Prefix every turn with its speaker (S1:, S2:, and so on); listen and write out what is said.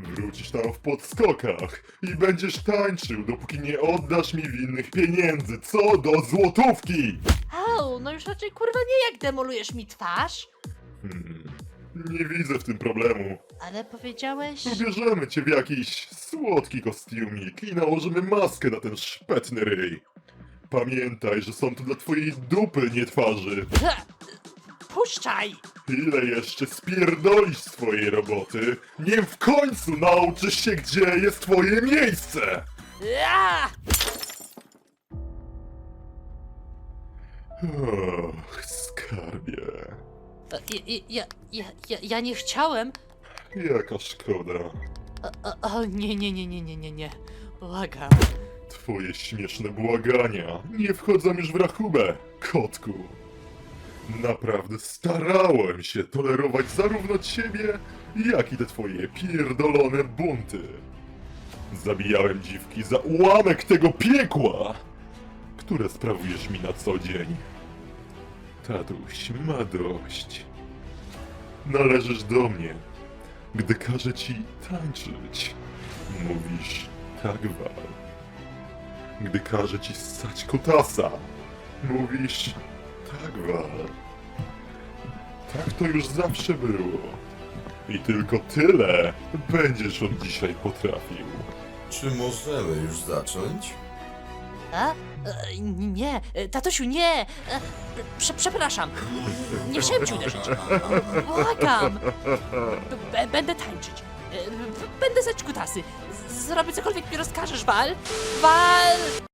S1: Wrócisz tam w podskokach i będziesz tańczył, dopóki nie oddasz mi winnych pieniędzy, co do złotówki!
S2: Au, no już raczej kurwa nie jak demolujesz mi twarz.
S1: Nie widzę w tym problemu.
S2: Ale powiedziałeś...
S1: Ubierzemy cię w jakiś słodki kostiumik i nałożymy maskę na ten szpetny ryj. Pamiętaj, że są to dla twojej dupy, nie twarzy.
S2: Puszczaj!
S1: Ile jeszcze spierdolisz swojej roboty, nim w końcu nauczysz się, gdzie jest twoje miejsce!
S2: Ja!
S1: Och, skarbie.
S2: Ja nie chciałem.
S1: Jaka szkoda.
S2: O, nie. Błagam.
S1: Twoje śmieszne błagania nie wchodzą już w rachubę, kotku. Naprawdę starałem się tolerować zarówno ciebie, jak i te twoje pierdolone bunty. Zabijałem dziwki za ułamek tego piekła, które sprawujesz mi na co dzień. Tatuś ma dość. Należysz do mnie, gdy każę ci tańczyć. Mówisz tak, Wal. Gdy każę ci ssać kutasa, mówisz tak, Wal. Tak to już zawsze było. I tylko tyle będziesz od dzisiaj potrafił.
S3: Czy możemy już zacząć?
S2: A? Nie, tatusiu, nie! Przepraszam. Nie chciałem ci uderzyć. Błagam. Będę tańczyć. Będę zać kutasy. Zrobię cokolwiek mi rozkażesz, Wal. Wal!